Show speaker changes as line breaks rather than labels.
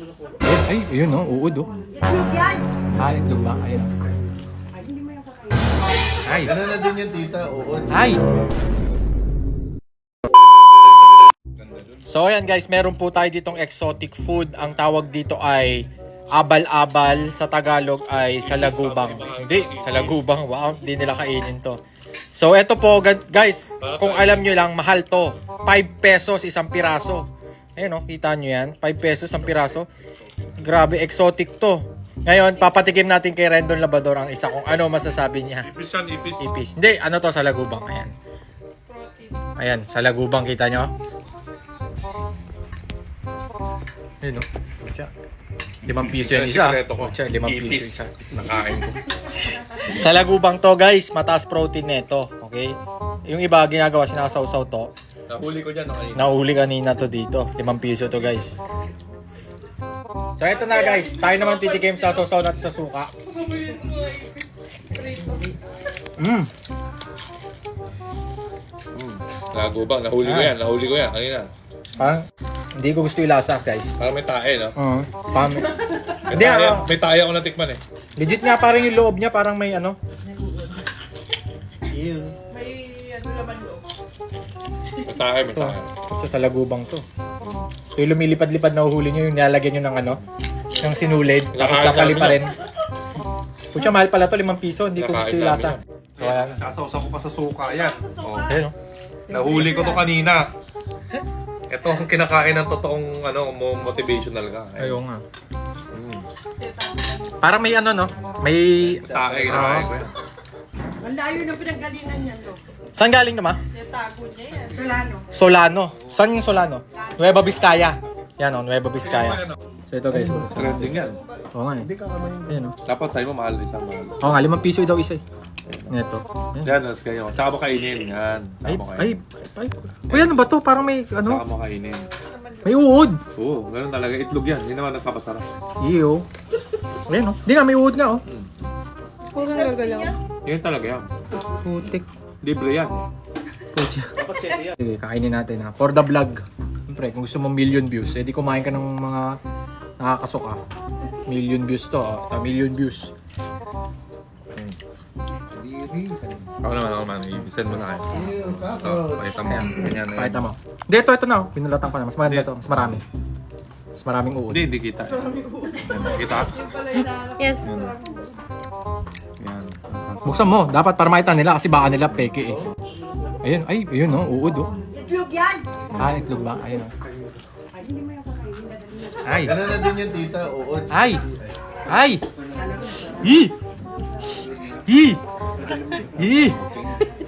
Ay, ayun no, uod oh.
Itlog yan.
Ah, itlog ba? Ayun.
Ay, hindi mo yung kakainin.
Ay,
Ano na din yung tita? Uod.
ay. So ayan guys, meron po tayo ditong exotic food. Ang tawag dito ay abal-abal. Sa Tagalog ay salagubang. Hindi, salagubang. Wow, hindi nila kainin to. So eto po guys, kung alam nyo lang, mahal to. 5 pesos isang piraso. Ayun no, kita nyo yan. 5 pesos isang piraso. Grabe, exotic to. Ngayon, papatikim natin kay Rendon Labrador ang isa kung ano masasabi niya.
Ipis yan, ipis.
Ipis. Hindi, ano to, salagubang. Ayan. Ayan, salagubang, kita nyo? Ayun no. Pucha. 5 piso yan isa. Pucha, 5 piso isa.
Nakain ko.
Salagubang to guys, mataas protein nito. Okay? Yung iba ginagawa, sinasawsaw to.
Nahuli ko dyan, nakain.
Nahuli kanina to dito. 5 piso to guys. So eto na guys, tayo naman titikim sa sausaw natin sa suka.
Lagubang, nahuli ko yan, nahuli ko yan. Kanina.
Parang hindi ko gusto ilasa guys.
Parang may tae, no?
Parang
May
hindi
tae,
ako.
may tae ako natikman eh.
Legit nga parang yung loob niya parang may ano.
May ano laman loob.
May tae, may tae.
Sa salagubang to. So yung lumilipad-lipad na uhuli nyo, yung nilalagyan nyo ng ano, ng sinulid, tapos
Nakain
kakali pa
namin
rin. Pucha, mahal pala to, 5 piso, hindi ko gusto
Nakain
ilasa.
namin
So ayan.
Sasawsaw ko pa sa suka yan. Oh.
Ayun, no?
Nahuli ko to kanina. Ito ang kinakain ng totoong ano, motivational ka.
Ayun nga.
Mm.
Parang may ano, no? May...
Tae, kinakain ko yan.
Ang layo ng pinanggalingan niyan, no?
Saan galing naman?
Natago niya yan. Solano.
Solano. Saan yung Solano? Nueva Vizcaya. Yan o, Nueva Vizcaya. So ito guys.
Trending yan.
Oo nga eh. Ayun o.
Dapat sa'yo mo mahal isang mahal.
Oo nga, 5 piso daw isa eh. Ito.
Yan, nas kayo. Tsaka mo kainin. Yan. Tsaka
Ay,
mo
ay,
kainin.
ay. Uy, ano ba to? Parang may,
Tsaka
ano?
mo kainin.
May uod.
Oo, ganun talaga. Itlog yan. Hindi naman nagpapasarap.
Iyo. Ayun o. Hindi nga, may uod nga o.
Puro gagalaw.
Yan talaga yan.
Putik.
Libre yan.
Pucha. Sige, kainin natin ha. For the vlog. Siyempre, kung gusto mo million views, edi kumain ka ng mga nakakasuka. Million views to. Million views.
Ako naman. Ibisan mo na kayo. Ito, pakita mo. Ganyan na yan.
Pakita mo. Hindi, ito na. Pinulatan ko na. Mas maganda to. Mas marami. Mas maraming uod.
Hindi kita. Kita?
Yes.
Yan.
Buksan mo. Dapat para makita nila kasi baka nila peke eh. Ayun. Ay, ayun no. Uod oh.
Itlog yan.
Ah, itlog ba? Ayun oh.
Ay, hindi mo yung kakainin.
Ay.
Ganun na din yung tita. Uod.
Ay. Ay. Hi. Hi. Hi.